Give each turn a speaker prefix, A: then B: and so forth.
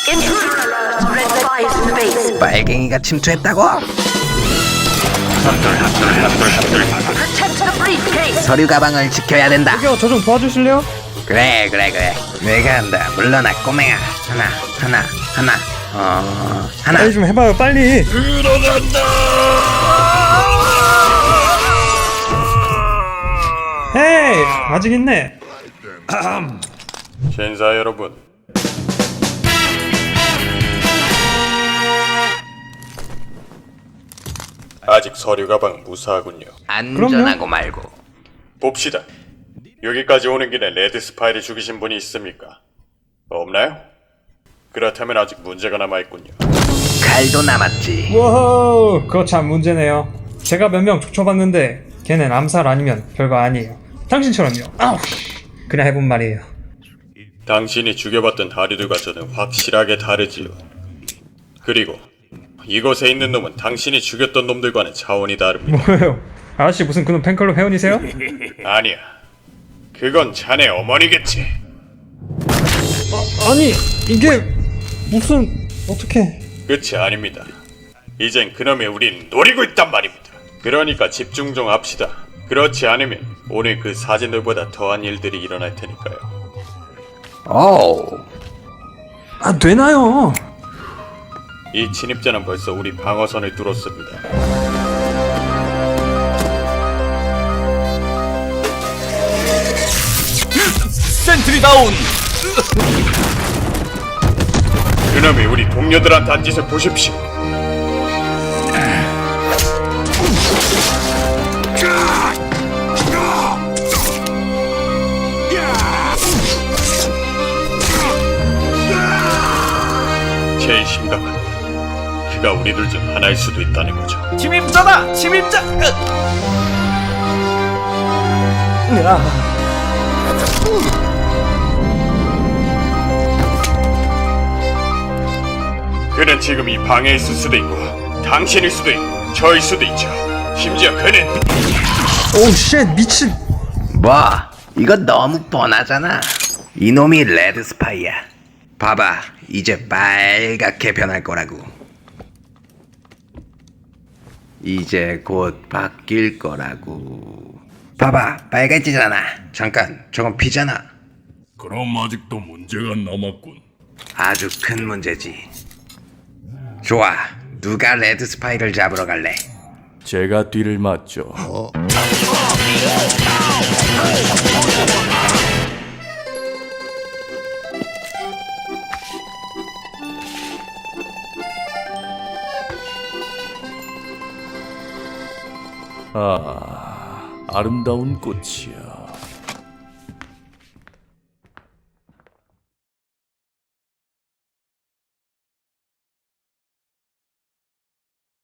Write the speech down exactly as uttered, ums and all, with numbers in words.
A: 빨갱이가 침투했다고? 서류 가방을 지켜야 된다.
B: 저기요, 저 좀 도와주실래요?
A: 그래 그래 그래 내가 한다. 물러나 꼬맹아. 하나 하나 하나 어 하나.
B: 빨리 좀 해봐요, 빨리. 헤이, 아직 있네.
C: 신사 여러분, 아직 서류 가방 무사하군요.
A: 안전하고 말고.
C: 봅시다. 여기까지 오는 길에 레드 스파이를 죽이신 분이 있습니까? 없나요? 그렇다면 아직 문제가 남아있군요.
A: 칼도 남았지.
B: 워호, 그거 참 문제네요. 제가 몇 명 쫓아봤는데 걔는 암살 아니면 별거 아니에요. 당신처럼요. 아우, 그냥 해본 말이에요.
C: 당신이 죽여봤던 다리들과 저는 확실하게 다르지요. 그리고 이곳에 있는 놈은 당신이 죽였던 놈들과는 차원이 다릅니다.
B: 뭐예요? 아저씨 무슨 그놈 팬클럽 회원이세요?
C: 아니야. 그건 자네 어머니겠지.
B: 아, 아니, 이게 무슨 어떻게?
C: 끝이 아닙니다. 이젠 그놈이 우린 노리고 있단 말입니다. 그러니까 집중 좀 합시다. 그렇지 않으면 오늘 그 사진들보다 더한 일들이 일어날 테니까요.
A: 오.
B: 아, 되나요?
C: 이 침입자는 벌써 우리 방어선을 뚫었습니다.
D: 센트리 다운!
C: 그놈이 우리 동료들한테 한 짓을 보십시오. 제일 심각한 건 그가 우리들 중 하나일 수도 있다는 거죠.
D: 침입자다! 침입자!
C: 그는 지금 이 방에 있을 수도 있고 당신일 수도 있고 저일 수도 있죠. 심지어 그는
B: 오우 쉣, 미친.
A: 뭐 이거 너무 뻔하잖아. 이놈이 레드 스파이야. 봐봐, 이제 빨갛게 변할 거라고. 이제 곧 바뀔 거라고. 봐봐, 빨개지잖아. 잠깐, 저건 피잖아.
E: 그럼 아직도 문제가 남았군.
A: 아주 큰 문제지. 좋아, 누가 레드 스파이를 잡으러 갈래?
D: 제가 뒤를 맞죠. 아, 아름다운 꽃이야.